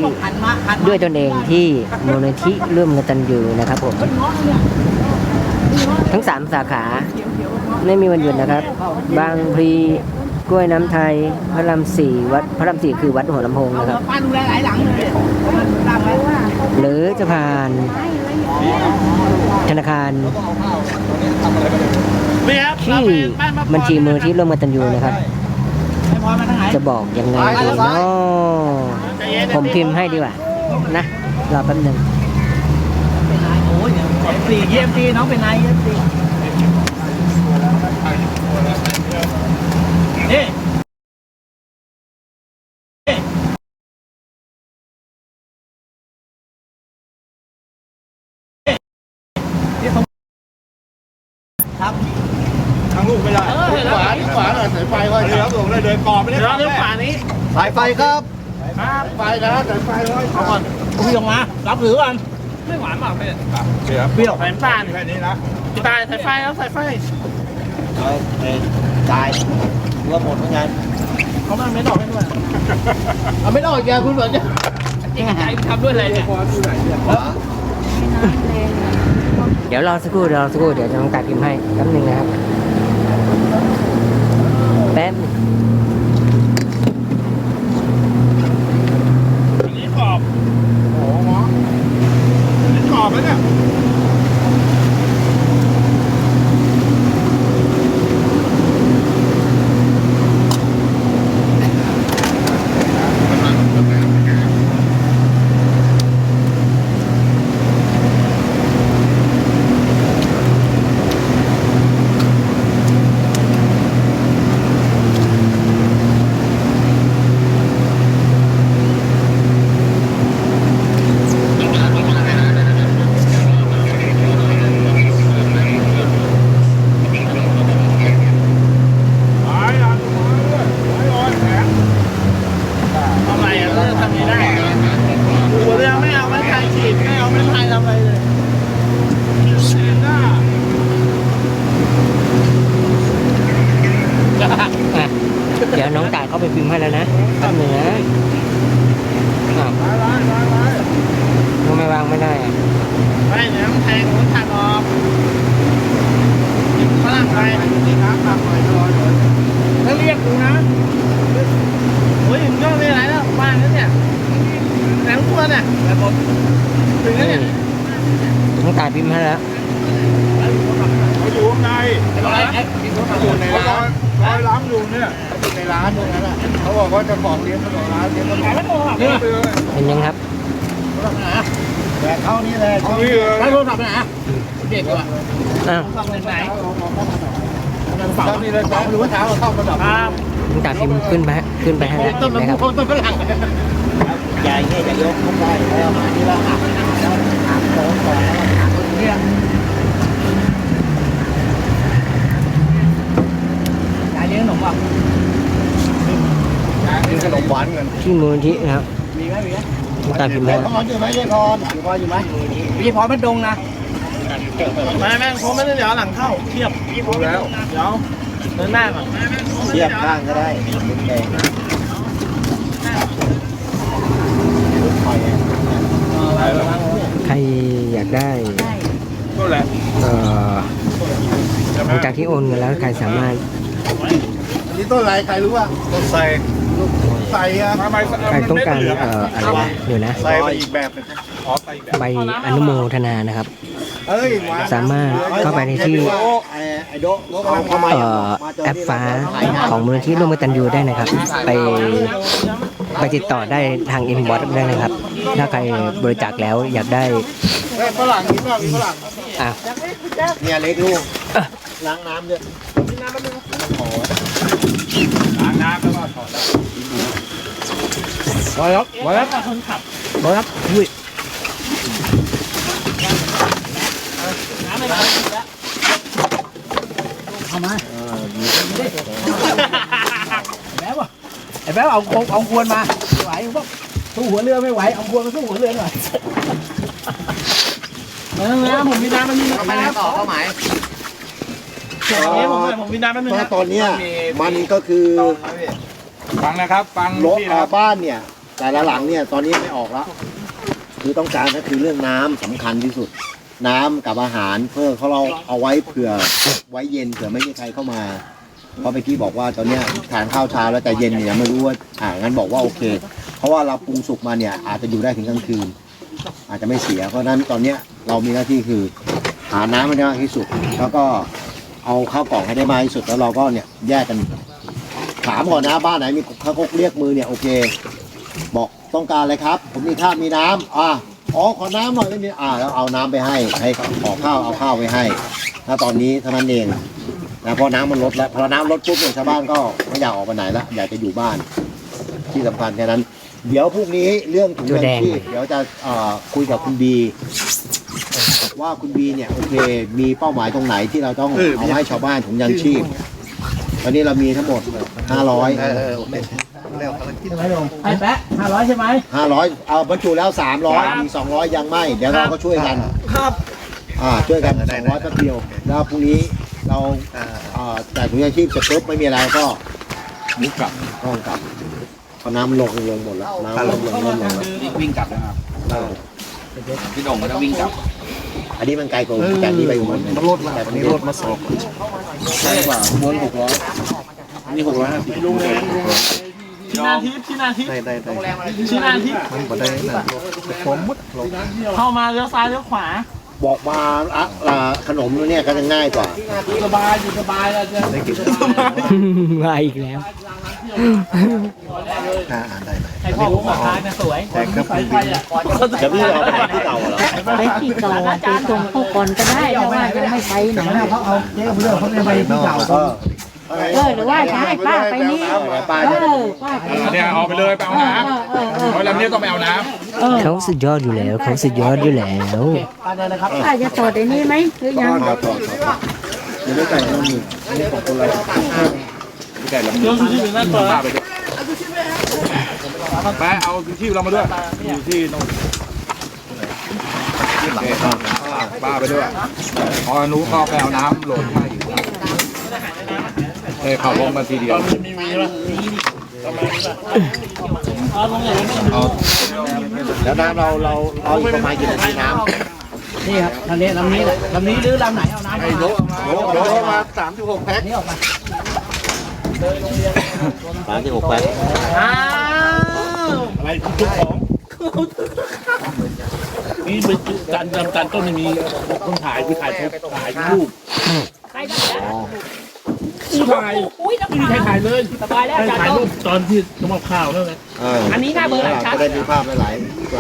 ด้วยตนเองที่มูลนิธิร่วมกตัญญูนะครับผมทั้ง3สาขาไม่มีวันหยุดนะครับ บางพลีกล้วยน้ำไทยพระราม4วัดพระราม4คือวัดหัวลำโพงนะครับหรือจะผ่านธนาคารที่บัญชีมือที่ร่วมกตัญญูนะครับจะบอกยังไงดีเนาะผมพิมพ์ให้ดีกว่านะรอแป๊บหนึ่งเยี่ยมดีน้องเป็นนายเยี่ยมดีนี่ครับทางลูกไม่ได้ขวาที่ขวาหน่อยสายไฟไว้เดี๋ยวผมเลยเดินกรอบไม่ได้เดี๋ยวขวานี้สายไฟครับไฟนะสายไฟไว้ก่อนพี่ลงมารับหรือกันไม่หวานมากเลยเปรี้ยวสายฟ้าแค่นี้นะตายสายไฟแล้วสายไฟตายรวมหมดเหมือนกันเขาไม่ดอกให้ด้วยเอาไม่ดอกแกคุณเหมือนจะจริงใจทำด้วยอะไรเนี่ยเดี๋ยวรอสักครู่เดี๋ยวจะต้องตัดพิมพ์ให้แป๊บนึงนะครับแป๊บนี่กรอบโอ้โหนี่กรอบแล้วเนี่ยเดี๋ยวน้องตายเขาไปพิมพ์ให้แล้วนะแป๊บนึงนะทำไมวางไม่ได้ไม่เนี่ยต้องแทงต้องถักออกฝรั่งไปนี่ครับตักหน่อยถ้าเรียกกูนะโอ้ยมึงก็ไม่ไรแล้วบ้านนั้นเนี่ยแหลมตัวเนี่ยแบบหมดถึงแล้วเนี่ยน้องตายพิมพ์ให้แล้วเขาอยู่ข้างในอยู่ในร้านล้างอยู่เนี่ยอยู่ในร้านตรงนั้นอ่ะเขาบอกว่าจะของเลี้ยงขนมร้านเลี้ยงขนมเห็นยังครับแบกเข้านี่เลยเขาให้โทรศัพท์ไปไหนเด็กว่ะฝั่งไหนฝั่งนี่เลยฝั่งหรือว่าเท้าเข้าระดับน้องตายพิมพ์ขึ้นไปให้แล้วนะครับต้นฝรั่งใหญ่เนี่ยจะยกขึ้นไปแล้วมาที่เราหักแล้วหักโค้งก่อนแล้วหักตรงนี้เลี้ยงขนมป่ะกินขนมหวานกันที่มูลนิธินะครับมีไหมตามพิมพ์ให้พรอยู่ไหมเยพรอยู่ไหมพี่พรไม่ดงนะแม่งผมไม่ได้เดี๋ยวหลังเข้าเทียบพี่พรแล้วเดี๋ยวเดินหน้าก่อนเทียบข้างก็ได้ใครอยากได้ก็แหละหลังจากที่โอนเงินแล้วใครสามารถนี่ต้นอะไรใครรู้ว่าต้นไทรใส่อะใครต้องการอะไรนะเดี๋ยวนะใส่ไปอีกแบบใบอนุโมทนานะครับสามารถเข้าไปในที่แอปฟ้าของมูลนิธิร่วมกตัญญูได้นะครับไปติดต่อได้ทางอินบ็อกซ์ได้นะครับถ้าใครบริจาคแล้วอยากได้ฝรั่งมีฝรั่งเนี่ยเล็กลูกล้างน้ำด้วยล้างน้ำแล้วก็ถอดร้อยครับคนขับร้อยครับอุ้ยเอามาไอ้แบ๊วเอาควรมาไหวพวกสู้หัวเรือไม่ไหวเอาควรมาสู้หัวเรือหน่อยนะผมมีน้ำมันมีนะครับต่อเข้าหมายผมมีน้ำมันนึงตอนนี้มันก็คือฟังนะครับฟังรถบ้านเนี่ยแต่ละหลังเนี่ยตอนนี้ไม่ออกแล้วคือต้องการก็คือเรื่องน้ำสำคัญที่สุด น้ำกับอาหารเพื่อเขาเราเอาไว้เผื่อไว้เย็นเผื่อไม่มีใครเข้ามาเพราะเมื่อกี้บอกว่าตอนเนี้ยทานข้าวเช้าแล้วแต่เย็นเนี่ยยังไม่รู้ว่างั้นบอกว่าโอเค เพราะว่าเราปรุงสุกมาเนี่ยอาจจะอยู่ได้ถึงกลางคืนอาจจะไม่เสียเพราะฉะนั้นตอนเนี้ยเรามีหน้าที่คือหาน้ำให้ได้มากที่สุดแล้วก็เอาข้าวกล่องให้ได้มากที่สุดแล้วเราก็เนี่ยแยกกันถามก่อนนะบ้านไหนมีข้าวกเรียกมือเนี่ยโอเคบอกต้องการอะไรครับผมมีข้าวมีน้ำขอน้ำหน่อยไม่มีแล้วเอาน้ำไปให้ขอข้าวเอาข้าวไปให้ถ้าตอนนี้เท่านั้นเองนะพอน้ำมันลดแล้วพอน้ำลดปุ๊บเนี่ยชาวบ้านก็ไม่อยากออกไปไหนละอยากจะอยู่บ้านที่สำคัญแค่นั้นเดี๋ยวพรุ่งนี้เรื่องถุงยางชีพเดี๋ยวจะคุยกับคุณบีว่าคุณบีเนี่ยโอเคมีเป้าหมายตรงไหนที่เราต้องเอาให้ชาวบ้านถุงยางชีพตอนนี้เรามีทั้งหมด500 ไอ้แปะ500ใช่ไหม 500เอาบรรจุแล้ว300มี200ยังไม่เดี๋ยวเราก็ช่วยกันครับช่วยกัน200แป๊บเดียวแล้วพรุ่งนี้เราแต่ถุงยางชีพเสร็จปุ๊บไม่มีอะไรก็มุกกลับต้องกลับพอน้ำลงหมดแล้วน้ำลงหมดแล้ววิ่งกลับนะครับพี่โด่งก็จะวิ่งกลับอันนี้มันไกลกว่าแต่นี่ไปอยู่มันรถแต่นี้รถมาสอบใช่กว่าบน600นี่650ลุงเลยที่นาทิพย์ได้ที่นาทิพย์มันบ่ได้นะผมมุดเข้ามาเลี้ยวซ้ายเลี้ยวขวาบอกมาขนมเนี่ยก็จะง่ายกว่าสบายอยู่สบายเราจะได้กินมาอีกแล้วอ่านได้ไหมไอ้พ่อผมมาทานเนี่ยสวยสายไฟจะพี่เอาไปที่เก่าเหรอไปที่เก่าไปตรงเข้าก่อนก็ได้แต่ว่ายังไม่ไปไหนเขาเอาเจ๊เรื่องเขาไปที่เก่าหรือว่าจะให้ป้าไปนี่ป้าเนี่ยเอาไปเลยไปเอาน้ำเพราะลำนี้ต้องไปเอาน้ำเขาสุดยอดอยู่แล้วเขาสุดยอดอยู่แล้วป้าจะต่อในนี้ไหมหรือยังเดี๋ยวได้ไก่ต้องมีนี่ของคนละไก่ลำนี้ป้าไปด้วยไปเอาที่เรามาด้วยอยู่ที่ตรงป้าไปด้วยพอนุก็ไปเอาน้ำโหลดให้เขาลงมาทีเดียวแล้วน้ำเราเอาอีกประมาณกี่นาทีน้ำนี่ครับลำนี้แหละลำนี้หรือลำไหนเอาน้ำให้โดมา36 แพ็คนี่ออกมา 36 แพ็คอะไรทุกของนี่เป็นการต้นไม่มีคนถ่ายคือถ่ายรูปถ่ายไม่มีใครถ่ายเลยสบายแล้วถ่ายรูปตอนที่ต้องมาข่าวนั่นแหละอันนี้หน้าเบอร์ชัดจะได้มีภาพหลาย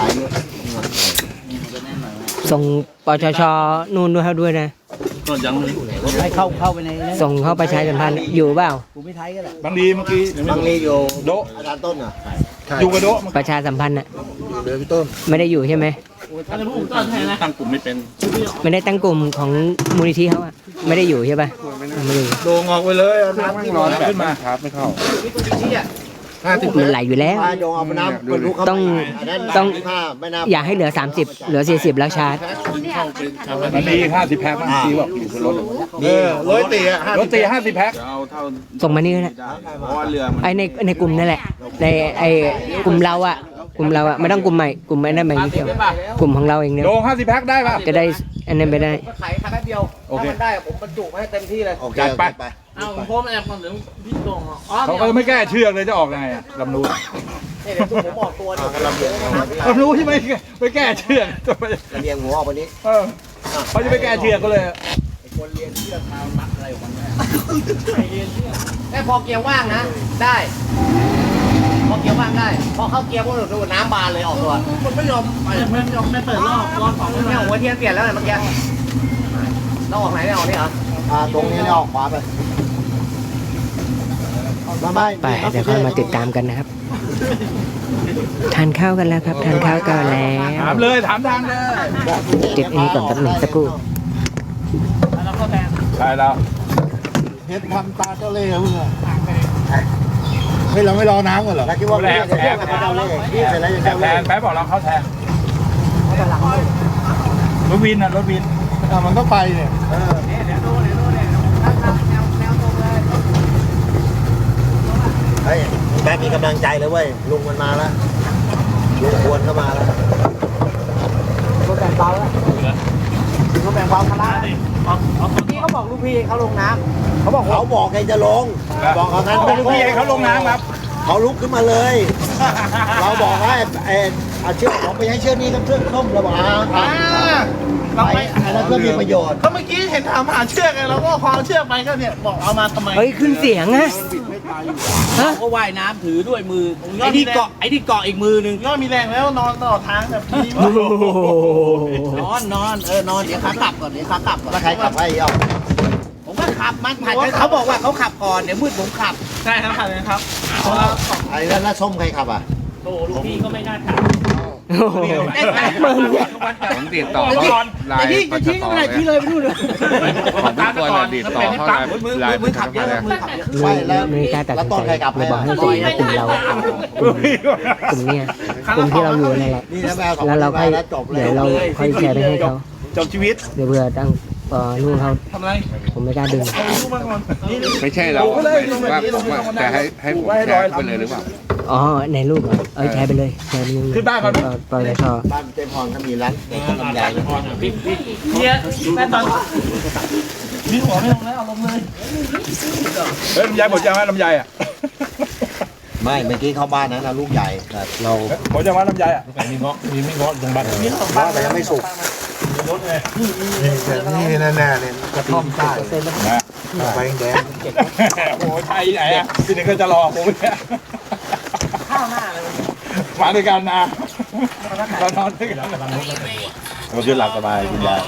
ส่งปชชนู่นด้วยนะก็ยังให้เข้าไปในส่งเข้าประชาสัมพันธ์อยู่เปล่ากูไม่ไทยก็แหละบางทีเมื่อกี้บางทีอยู่โดอาจารย์ต้นอยู่กับโดประชาสัมพันธ์น่ะเดี๋ยวพี่ต้นไม่ได้อยู่ใช่ไหมตั้งกลุ่มไม่เป็นไม่ได้ตั้งกลุ่มของมูลนิธิเขาอะไม่ได้อยู่ใช่ป่ะไม่ได้โดงออกไปเลยน้ำไม่ร้อนขึ้นมาครับไม่เข้ามันไหลอยู่แล้วต้องอย่าให้เหลือ30เหลือ40แล้วชาร์จมันมี50 แพ็คบางทีบอกอยู่บนรถรถตี50 แพ็คส่งมานี่แหละไอในกลุ่มนั่นแหละในไอกลุ่มเราอะไม่ต้องกลุ่มใหม่กลุ่มไอ้นั่นใหม่เดียวกลุ่มของเราเองเนี่ยโดง50 แพ็คได้ป่ะจะได้อันนั้นไปได้ขายแป๊บเดียวถ้ามันได้ผมบรรจุให้เต็มที่เลยจัดไปเอาผมแอบก่อนถึงพี่โด่งเขาก็ไม่แก้เชือกเลยจะออกยังไงลำรู้เนี่ยผมบอกตัวนี่ลำรู้ที่ไม่แก้เชือกระเบียงหัวออกไปนี้เขาจะไม่แก้เชือกก็เลยคนเรียนเชือกทางมัดอะไรของมันแค่พอเกียร์ว่างนะได้พอเกียร์ว่างได้พอเข้าเกียร์พวกเราดูน้ำบานเลยออกตัวมันไม่ยอมไม่เปิดรอบของไม่หัวเทียนเปลี่ยนแล้วเมื่อกี้เราออกไหนไม่ออกนี่เหรอตรงนี้ออกขวาไปไปเดี๋ยวค่อยมาติดตามกันนะครับทานข้าวกันแล้วครับทานข้าวกันแล้วถามเลยถามทางเลยติดอันนี้ก่อนแป๊บหนึ่งสักครู่ใช่แล้วเฮ็ดทำตาเจ้าเล่ห์เพื่อนเฮ้ยเราไม่รอน้ำกันเหรอคิดว่าแทนแป๊บบอกเราเข้าแทนรถวินมันก็ไปเนี่ยเฮ้ยแป๊บมีกำลังใจเลยเว้ยลุงมันมาแล้วลุงควรเข้ามาแล้วเขาแบ่งเบาแล้วเขาแบ่งเบาภาระนี่เขาบอกลูกพี่เขาลงน้ำเขาบอกเขาบอกไงจะลงบอกเขางั้นเป็นลูกพี่ให้เขาลงน้ำครับเขาลุกขึ้นมาเลย เราบอกว่าเอาเชือกผมไปให้เชือกนี้กับเชือกส้มเราบอกเราไปอันนั้นก็มีประโยชน์ก็เมื่อกี้เห็นถามหาเชือกไงเราก็พอเชือกไปก็เนี่ยบอกเอามาทำไมเฮ้ยขึ้นเสียงอะฮะก็ว่ายน้ำถือด้วยมือไอ้ที่เกาะอีกมือหนึ่งก็มีแรงแล้วนอนตลอดทางแบบนี้นอนเดี๋ยวขากลับก่อนแล้วใครขับให้เอาผมก็ขับมันผัดกันเขาบอกว่าเขาขับก่อนเดี๋ยวมืดผมขับใช่ครับผัดกันครับไอ้แล้วส้มใครขับอ่ะโอ้ลูกพี่ก็ไม่น่าขับมึงเนี่ยผมติดต่อไลน์จะชี้ก็ไม่ได้ชี้เลยไปนู่นเลยผมทุกคนติดต่อเขาไลน์มือขับเยอะมือขับเยอะไม่แล้วไม่กล้าตัดแล้วสินต้นใจใครขับเลยให้บอกให้ส่งมากลุ่มเรากลุ่มเนี้ยกลุ่มที่เราอยู่นั่นแหละนี่นะแม่แล้วเราค่อยจบเลเดี๋ยยวเราค่อยแชร์ไปให้เขาจบชีวิตเดี๋ยวเผื่อตั้งนู่นเขาทำอะไรผมไม่กล้าดึงรู้มาก่อนนี่ไม่ใช่เราว่าแต่ให้ผมแชร์ไปเลยหรือเปล่าอ๋อในรูปเหรอแชร์ไปเลยแชร์ไปเลยขึ้นบ้านก่อนปล่อยแล้วก็บ้านเจ๊พรเขามีร้านเด็กกับลำไยนะเนี่ยแม่ตอนมีหัวไม่ลงแล้วเอาลงเลยเฮ้ยลำไยหมดยังไหมลำไยอ่ะไม่เมื่อกี้เข้าบ้านนั้นนะลูกใหญ่แต่เราหมดยังไหมลำไยอ่ะมีเงาะมีไม่เงาะตรงบ้านมีสองบ้าบ้าน นแต่ยังไม่สุกนี่แน่ๆเนี่ยกระท่อมใต้นะไฟแดงโอ้ยไทยไหนอ่ะพี่นึงก็จะรอผมเนี่ยข้าวหน้าเลยมาด้วยกันนะเรานอนด้วยกันมันคือหลับสบายคุณยาย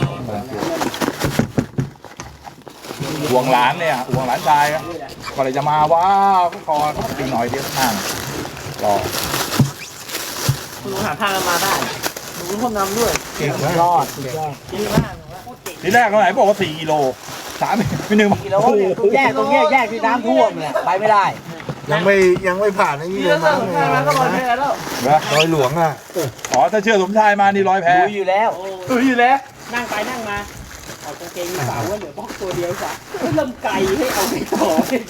ห่วงหลานเนี่ยห่วงหลานชายก็เลยจะมาว้าวคออีกหน่อยเดียวข้างรอคุณหาทางมาได้คุณคนนำด้วยเก่งนะรอดดีมากทีแรกเขาไหนบอกว่า4 กิโล3ไม่1 กิโลเนี่ยแยกตรงแยกที่น้ำท่วมเนี่ยไปไม่ได้ยังไม่ผ่านไอ้นี่เลยมั้งก็ลอยแพแล้วรอยหลวงอ่ะอ๋อถ้าเชื่อสมชายมานี่ร้อยแพดูอยู่แล้วดูอยู่แล้วนั่งไปนั่งมาเอากางเกงสาวว่าเหลือบ็อกตัวเดียวจ้ะเริ่มไก่ให้เอาไปต่อ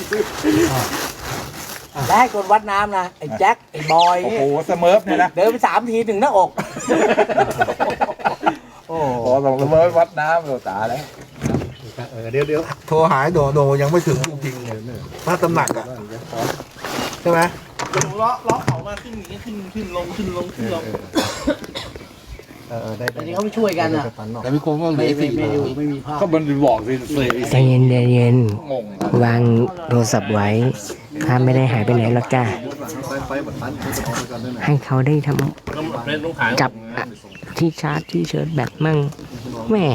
ได้คนวัดน้ำนะไอ้แจ็คไอ้บอยโอ้โหสเมิร์ฟเนี่ยนะเดินไป3 ทีถึงหน้าอกโอ้โหสองสเมิร์ฟวัดน้ำเราตาแล้วเดี๋ยวโทรหายโดยังไม่ถึงจริงเลยพระตำหนักอ่ะใช่ไหมล้อเขามาขึ้นลงได้อันนี้เขาไม่ช่วยกันอ่ะแต่พี่คงก็ไม่มีภาพก็มันบอกสิใจเย็นใจเย็นงงวางโทรศัพท์ไว้ถ้าไม่ได้หายไปไหนหรอกจ้าให้เขาได้ทำจับที่ชาร์จที่เชิร์จแบตมั่งแหม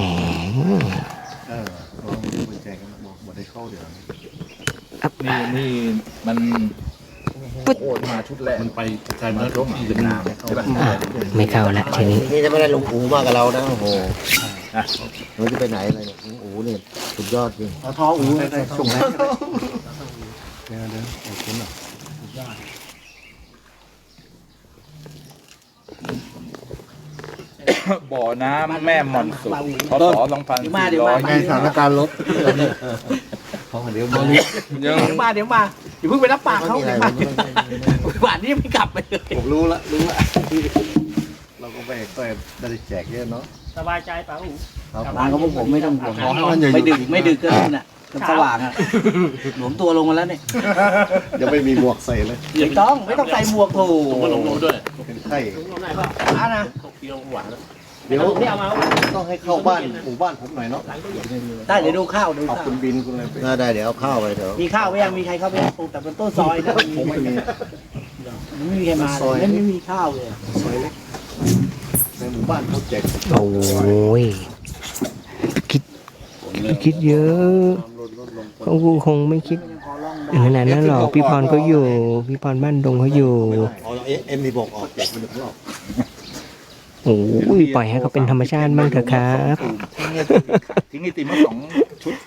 นี่มันปึ๊ดมาชุดแรกมันไปใช้เนื้อร่มที่เป็นน้ำใช่ป่ะไม่เข้าละทีนี้นี่จะไม่ได้ลุงอูมากับเรานะโอ้โหเราจะไปไหนเลยเนี่ยลุงอูเนี่ยสุดยอดจริงทออูส่งแล้วบ่อน้ำแม่มอนสุดพศ2400 ไงสถานการณ์รถเดี๋ยวมาเดี๋ยวมาอย่าเพิ่งไปรับปากเขาเดี๋ยวมาหวานนี่ไม่กลับไปเลยผมรู้ละเราก็ไปได้แจกเยอะเนาะสบายใจป่ะอูครับบ้านเขาพวกผมไม่ต้องห่วงขอให้มันอย่าไม่ดึกก็นี่น่ะสว่างอ่ะหลวมตัวลงมาแล้วเนี่ยยังไม่มีหมวกใส่เลยไม่ต้องใส่หมวกโถมาลงด้วยเป็นไข้ร้านนะเดี๋ยวนี่เอามาต้องให้เข้าบ้านหมู่บ้านผมหน่อยเนาะได้เดี๋ยวดูข้าวดูเอาข้าวคุณบินคุณอะไรไปได้เดี๋ยวเอาข้าวไปเถอะมีข้าวไหมยังมีใครเข้าไปปลูกแต่เป็นต้นซอยนะผมไม่มีไม่มีใครมาไม่มีข้าวเลยซอยเล็กในหมู่บ้านเขาแจกโอ้ยคิดเยอะเขาคงไม่คิดขนาดนั้นหรอกพี่พรก็อยู่พี่พรบ้านดงเขาอยู่เอาเอ็มดีบอกออกแจกเป็นรอบโอ้ยปล่อยให้เขาเป็นธรรมชาติบ้างเถอะครับทิ้งไอติมมา2 ชุด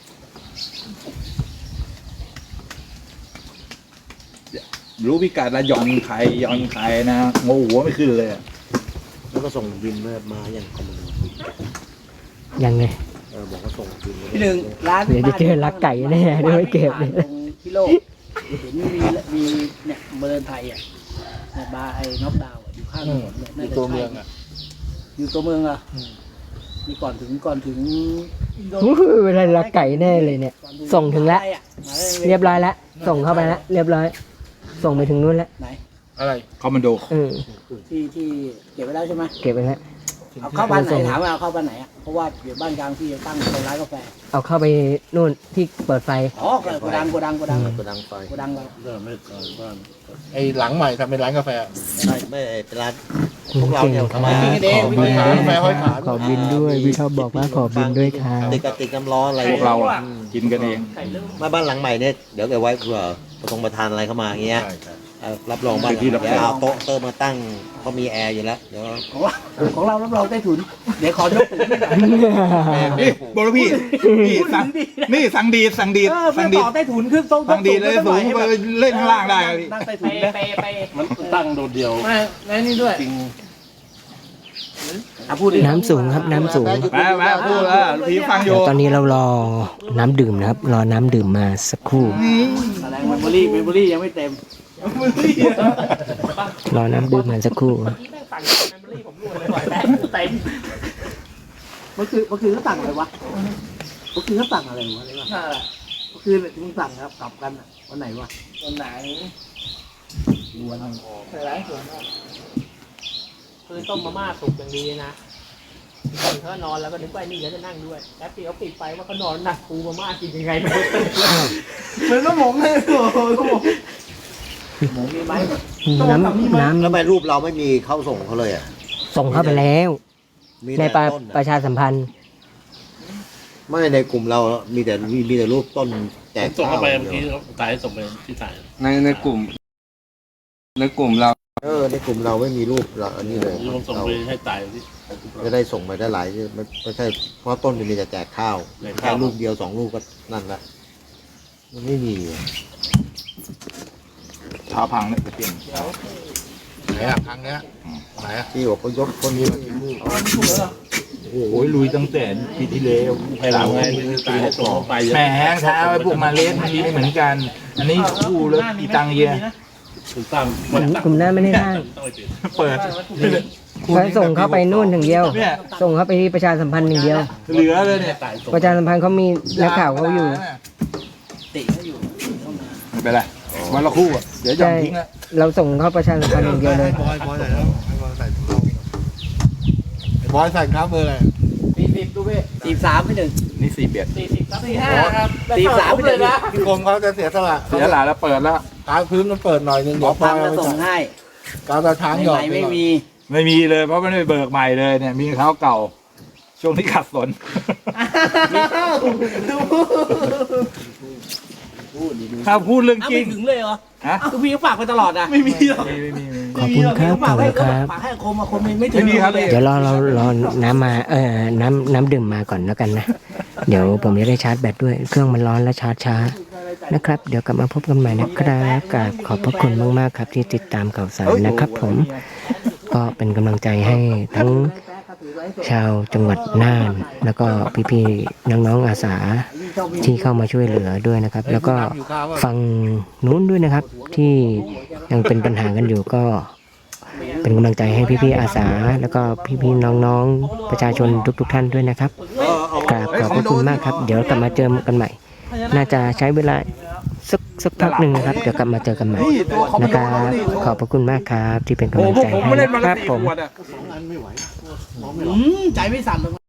รู้พิกัดละหย่อนไข่นะโง่หัวไม่ขึ้นเลยแล้วก็ส่งบินมาอย่างคอมมูนยังไงบอกว่าส่งบินพี่หนึ่งร้านเดี๋ยวจะเจอลักไก่แน่ด้วยเก็บเลยพี่โลกเห็นมีเนี่ยเมืองไทยอ่ะบาร์ไอ้น็อกดาวอยู่ข้างถนนเนี่ยอยู่ตัวเมืองอ่ะอยู่ตัวเมืองอ่ะมีก่อนถึงเวลาลักไก่แน่เลยเนี่ย ส่งถึงแล้ว เรียบร้อยแล้ว ส่งเข้าไปแล้ว เรียบร้อย ส่งไปถึงนู้นแล้วไหนอะไรคอมมานโดที่เก็บไว้แล้วใช่ไหมเก็บไปแล้วเอาเข้าบ้านไหนถามว่าเอาเข้าบ้านไหนอ่ะเพราะว่าเดี๋ยวบ้านกลางที่จะตั้งเป็นร้านกาแฟเอาเข้าไปนู่นที่เปิดไฟอ๋อโกดังกระดังไฟเราไอ้หลังใหม่ทำเป็นร้านกาแฟใช่ไม่เป็นร้านพวกเราเนี่ยขอมาบินร้านกาแฟห้อยขาขอบินด้วยพี่ชอบบอกว่าขอบินด้วยครับติดกระติกน้ำร้อนอะไรพวกเราอะกินกันเองมาบ้านหลังใหม่เนี่ยเดี๋ยวเก็บไว้เผื่อประธานอะไรเข้ามาอย่างเงี้ยรับรองบ้านเดี๋ยวเอาโต๊ะเติมมาตั้งเขามีแอร์อยู่แล้วเดี๋ยวของเรารับรองใต้ถุนเดี๋ยวขอยกถุนไม่ได้นี่บอกแล้วพี่นี่สั่งดีดไม่ต่อใต้ถุนขึ้นตรงสั่งดีดเลยสูงไปเล่นข้างล่างได้ครับพี่นั่งใต้ถุนนะมันตั้งโดดเดียวไม่แล้วนี่ด้วยจริงพูดดิน้ำสูงครับน้ำสูงแม่พูดลูกพี่ฟังอเดี๋ยยู่วตอนนี้เรารอน้ำดื่มนะครับ รอน้ำดื่มมาสักครู่แสดงเมมโมรี่ยังไม่เต็มรอน้ำดื่มมาสักครู่เมื่อคืนเขาสั่งอะไรวะเมื่อคืนเขาสั่งอะไรวะเมื่อคืนมึงสั่งครับกลับกันวันไหนวะวันไหนคือต้มมาม่าสุกอย่างดีนะคนเขานอนแล้วก็นึกว่านี่เขาจะนั่งด้วยแป๊บเดียวปิดไฟว่าเขานอนหนักปูมาม่ากินยังไงไม่รู้เหมือนก็หมงเลยหมงมีไหมน้ำแล้วทำไมรูปเราไม่มีเข้าส่งเขาเลยอ่ะส่งเข้าไปแล้วมีในแต่ต้นประชาสัมพันธ์ไม่ในกลุ่มเรามีแต่รูปต้นแจกส่งข้าเข้าว ไปเมื่อกี้ตายส่งไปที่ตายในกลุ่มเราในกลุ่มเราไม่มีรูปเราอันนี้เลยลงส่งไปให้ตายที่จะได้ส่งไปได้หลายไม่ใช่เพราะต้นจะมีแต่แจกข้าวแค่ลูกเดียว2 ลูกก็นั่นละมันไม่มีเท้าพังเนี่ยจะเปลี่ยนไหนอ่ะครั้งเนี้ยไหนอ่ะที่บอกเขายกคนนี้มากินลูกโอ้ยลุยตั้งแต่ปีที่แล้วภายหลังไงตายส่งเข้าไปแหมเท้าไอ้พวกมาเลสทีไม่เหมือนกัน อันนี้คู่แล้วอีตังเยียถูกตั้งกลุ่มหน้าไม่ได้นั่งเปิดเขาส่งเข้าไปนู่นถึงเดียว ส่งเข้าไปที่ประชาสัมพันธ์อย่างเดียวเหลือเลยเนี่ยตายส่งประชาสัมพันธ์เขามีนักข่าวเขาอยู่ติเขาอยู่ไม่เป็นไรวันละคู่อ่ะเดี๋ยวหย่อนทิ้งแล้วเราส่งเข้าประชาสัมพันธ์อย่างเดียวเลยบอยใส่แล้วบอยใส่ครับเบอร์อะไร 40ดูเว้ย43ไม่ถึงนี่41 45ครับ43ไม่ถึงนะพี่คมเขาจะเสียสละเสียหลายแล้วเปิดแล้วกาวพื้นมันเปิดหน่อยนึงหมอพังจะส่งให้กาวตาช้างหยอดไม่มีไม่มีเลยเพราะไม่ได้เบิกใหม่เลยเนี่ยมีเท้าเก่า ช่วงที่ขัดสน ถ้าพูดเรื่องจริงไม่ถึงเลยเหรอฮะคือพี่ก็ฝากไปตลอดนะไม่มีหรอกไม่ขอบคุณครับขอบคุณครับฝากให้คมมาคมไม่ถึงมีครับเดี๋ยวรอน้ำมาน้ำดื่มมาก่อนแล้วกันนะ เดี๋ยวผมจะได้ชาร์จแบตด้วย เครื่องมันร้อนและชาร์จช้านะครับ เดี๋ยวกลับมาพบกันใหม่นะครับกราบขอบพระคุณมากๆครับที่ติดตามข่าวสารนะครับ ผมก็เป็นกำลังใจให้ทั้งชาวจังหวัดน่าน แล้วก็พี่ๆน้องๆอาสาที่เข้ามาช่วยเหลือด้วยนะครับ แล้วก็ฟังนู้นด้วยนะครับ ที่ยังเป็นปัญหากันอยู่ก็ เป็นกำลังใจให้พี่ๆอาสา แล้วก็พี่ๆน้องๆประชาชนทุกๆท่านด้วยนะครับกราบขอบพระคุณมากครับ เดี๋ยวกลับมาเจอกันใหม่ น่าจะใช้เวลาสักพักหนึ่งนะครับ เดี๋ยวกลับมาเจอกันใหม่นะครับขอบพระคุณมากครับที่เป็นกำลังใจให้นะครับผมใจไม่สั่นเลย